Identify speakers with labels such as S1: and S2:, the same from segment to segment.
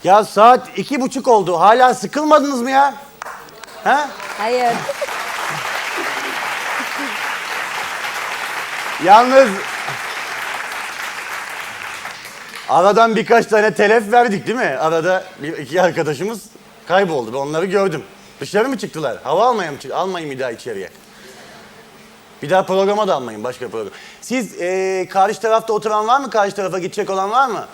S1: Ya saat 2:30 oldu. Hala sıkılmadınız mı ya? Ha?
S2: Hayır.
S1: Yalnız aradan birkaç tane telef verdik değil mi? Arada iki arkadaşımız kayboldu. Ben onları gördüm. Dışarı mı çıktılar? Hava almaya mı çıktılar? Almayın bir daha içeriye. Bir daha programa da almayın, başka program. Siz karşı tarafta oturan var mı? Karşı tarafa gidecek olan var mı?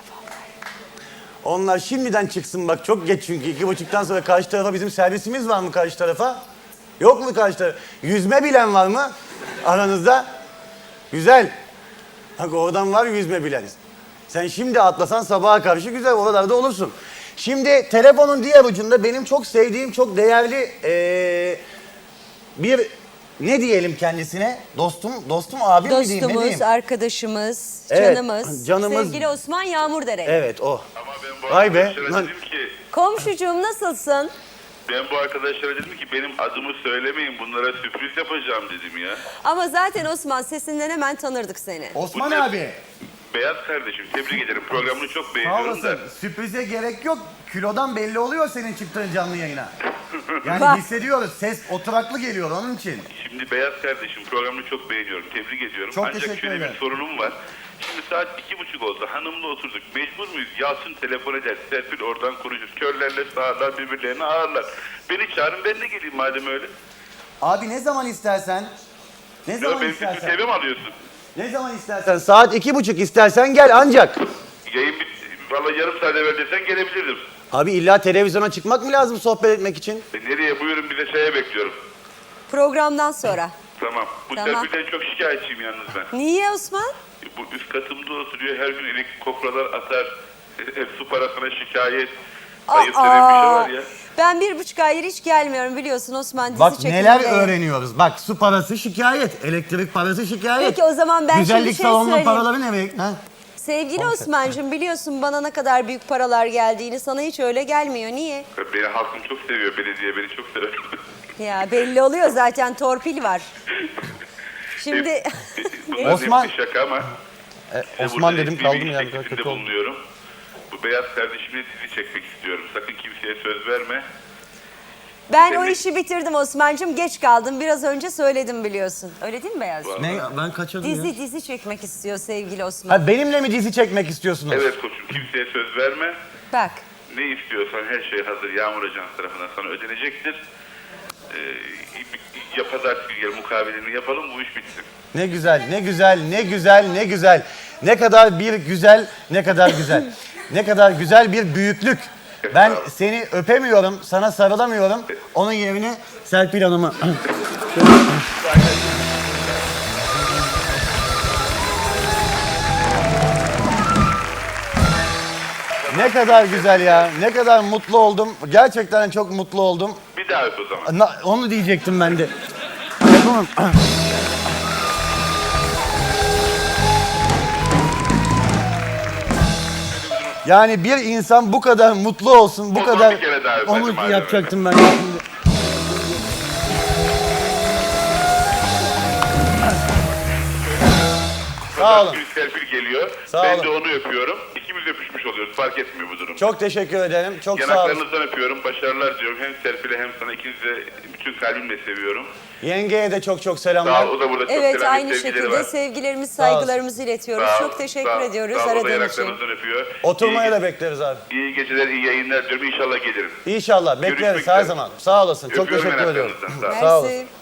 S1: Onlar şimdiden çıksın bak, çok geç çünkü 2:30'dan sonra karşı tarafa bizim servisimiz var mı karşı tarafa? Yok mu karşı tarafa? Yüzme bilen var mı aranızda? Güzel. Bak oradan var yüzme bilen. Sen şimdi atlasan sabaha karşı güzel oralarda olursun. Şimdi telefonun diğer ucunda benim çok sevdiğim, çok değerli bir ne diyelim kendisine? Dostum abi mi diyeyim, ne
S2: Dostumuz,
S1: diyeyim?
S2: arkadaşımız,
S1: Evet,
S2: canımız,
S1: canımız.
S2: sevgili Osman Yağmurdere.
S1: Evet o.
S3: Ama ben bu
S1: Vay be,
S3: arkadaşlara
S1: lan.
S3: dedim ki,
S2: Komşucuğum nasılsın?
S3: ben bu arkadaşlara dedim ki benim adımı söylemeyin, bunlara sürpriz yapacağım dedim ya.
S2: Ama zaten Osman sesinden hemen tanırdık seni.
S1: Osman
S3: Bu ne?
S1: abi.
S3: Beyaz kardeşim, tebrik ederim. Programını çok
S1: Sağ
S3: beğeniyorum da.
S1: olasın. Sürprize gerek yok. Kilodan belli oluyor senin çıktığın canlı yayına. Yani
S2: Bak.
S1: hissediyoruz. Ses oturaklı geliyor onun için.
S3: Şimdi Beyaz kardeşim, programını çok beğeniyorum, tebrik ediyorum.
S1: Çok
S3: Ancak
S1: teşekkür
S3: şöyle
S1: ederim.
S3: bir sorunum var. Şimdi saat 2:30 oldu, hanımla oturduk. Mecbur muyuz? Yalçın telefon eder, Serpil oradan konuşur. Körlerle sağırlar, birbirlerini ağırlar. Beni çağırın, ben de geleyim madem öyle.
S1: Abi ne zaman istersen. Ne
S3: Ya
S1: zaman
S3: benim bütün
S1: istersen.
S3: TV mi alıyorsun?
S1: Ne zaman istersen. Saat 2:30 istersen gel ancak.
S3: Yayın bitti. Valla yarım saat evvel desen gelebilirdim.
S1: Abi illa televizyona çıkmak mı lazım sohbet etmek için?
S3: Nereye? Buyurun, bir de şeye bekliyorum.
S2: Programdan sonra.
S3: Tamam. Bu
S2: Tamam.
S3: Serpil'den çok şikayetçiyim yalnız ben.
S2: Niye Osman?
S3: Bu üst katımda oturuyor, her gün elektrik kopralar atar. Ev su parasına şikayet. Ayıp denen bir şey var ya.
S2: Ben 1,5 aydır hiç gelmiyorum biliyorsun Osman, dizi
S1: Bak
S2: çekiminde.
S1: neler öğreniyoruz. Bak su parası şikayet, elektrik parası şikayet.
S2: Peki o zaman ben şimdi
S1: Güzellik
S2: bir şey
S1: salonunun
S2: söyleyeyim.
S1: paraları ne? Ha?
S2: Sevgili Osman'cığım biliyorsun bana ne kadar büyük paralar geldiğini, sana hiç öyle gelmiyor. Niye?
S3: Beni halkım çok seviyor, belediye beni çok sever.
S2: Ya belli oluyor zaten, torpil var. Şimdi
S3: Bunlar
S1: Osman-
S3: hepsi şaka ama. size
S1: Osman
S3: burada
S1: dedim
S3: resmi
S1: kaldım
S3: bir
S1: ya.
S3: iş teklifinde
S1: Kötü oldu.
S3: bulunuyorum. Bu beyaz kardeşimle dizi çekmek istiyorum. Sakın kimseye söz verme.
S2: ben o işi bitirdim Osman'cığım, geç kaldım. Biraz önce söyledim biliyorsun. Öyle değil mi Beyaz?
S1: Ne? Ben kaçırdım ya.
S2: Dizi çekmek istiyor sevgili Osman.
S1: Ha, benimle mi dizi çekmek istiyorsunuz?
S3: Evet koçum, kimseye söz verme.
S2: Bak.
S3: Ne istiyorsan her şey hazır. Yağmur Ajansı tarafından sana ödenecektir. Pazartesi günü gel, mukavelini yapalım, bu iş bitsin.
S1: Ne güzel, ne güzel, ne güzel, ne güzel. Ne kadar bir güzel, ne kadar güzel. Ne kadar güzel bir büyüklük. Ben seni öpemiyorum, sana sarılamıyorum. Onun yerine Serpil Hanım'ı... Ne kadar güzel ya, ne kadar mutlu oldum. Gerçekten çok mutlu oldum.
S3: Bir daha öp o zaman.
S1: Onu diyecektim ben de. Yapamam. Yani bir insan bu kadar mutlu olsun, bu
S3: O zaman
S1: kadar...
S3: bir kere daha öp,
S1: Onu
S3: hadi madem
S1: yapacaktım ben. Şimdi. Sağ olun.
S3: Pazartesi günü Serpil geliyor.
S1: Sağ
S3: Ben
S1: olun.
S3: de onu öpüyorum. İkimiz öpüşmüş oluyoruz. Fark etmiyor bu durum.
S1: Çok teşekkür ederim. Çok sağ olun.
S3: Yanaklarınızdan öpüyorum. Başarılar diyorum. Hem Serpil'e hem sana, ikinizi de bütün kalbimle seviyorum.
S1: Yengeye de çok çok
S3: Sağ
S1: selamlar.
S3: ol. O da burada çok
S2: Evet,
S3: selam,
S2: aynı
S3: sevgileri
S2: şekilde
S3: var.
S2: sevgilerimiz,
S1: Sağ olsun.
S2: saygılarımızı iletiyoruz.
S3: Sağ ol,
S2: Çok teşekkür
S3: sağ ol,
S2: ediyoruz
S3: sağ ol. O da
S2: aradığın için.
S3: yanaklarınızdan öpüyor.
S1: Oturmaya
S3: İyi-
S1: da bekleriz abi.
S3: İyi geceler, iyi yayınlar diyorum. İnşallah gelirim.
S1: İnşallah bekleriz
S3: Görüşmek
S1: her
S3: üzere.
S1: zaman. Sağ olasın. Çok
S3: Öpüyorum
S1: teşekkür ediyorum.
S3: yanaklarınızdan,
S1: Sağ olasın.
S2: Mersi.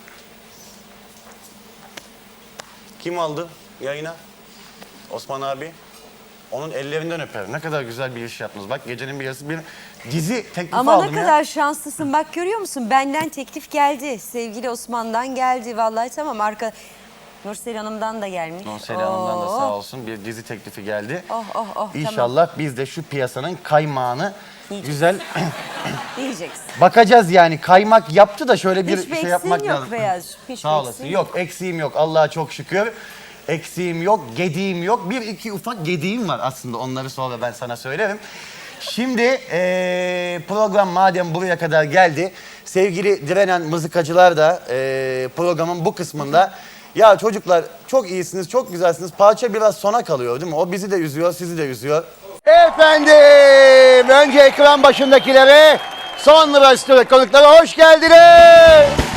S1: Kim aldı yayına? Osman abi. Onun ellerinden öperim. Ne kadar güzel bir iş yaptınız. Bak gecenin bir yarısı bir dizi teklifi
S2: Ama
S1: aldım
S2: ne
S1: ya.
S2: kadar şanslısın. Bak görüyor musun? Benden teklif geldi. Sevgili Osman'dan geldi. Vallahi tamam. Nursel Hanım'dan da gelmiş.
S1: Nursel Hanım'dan da
S2: Oo.
S1: sağ olsun bir dizi teklifi geldi.
S2: Oh, oh, oh,
S1: İnşallah biz de şu piyasanın kaymağını güzel
S2: Diyeceksin.
S1: bakacağız yani. Kaymak yaptı da şöyle bir
S2: Hiçbir
S1: şey yapmak
S2: eksiğin yok
S1: lazım.
S2: Beyaz. Hiçbir
S1: Sağ olasın.
S2: eksiğin
S1: Yok eksiğim yok. Allah'a çok şükür. Eksiğim yok, gediğim yok. Bir iki ufak gediğim var aslında. Onları sonra ben sana söylerim. Şimdi program madem buraya kadar geldi. Sevgili direnen mızıkacılar da programın bu kısmında. Ya çocuklar çok iyisiniz, çok güzelsiniz. Parça biraz sona kalıyor değil mi? O bizi de üzüyor, sizi de üzüyor. Efendim, Önce ekran başındakilere, sonra stüdyo konuklara hoş geldiniz.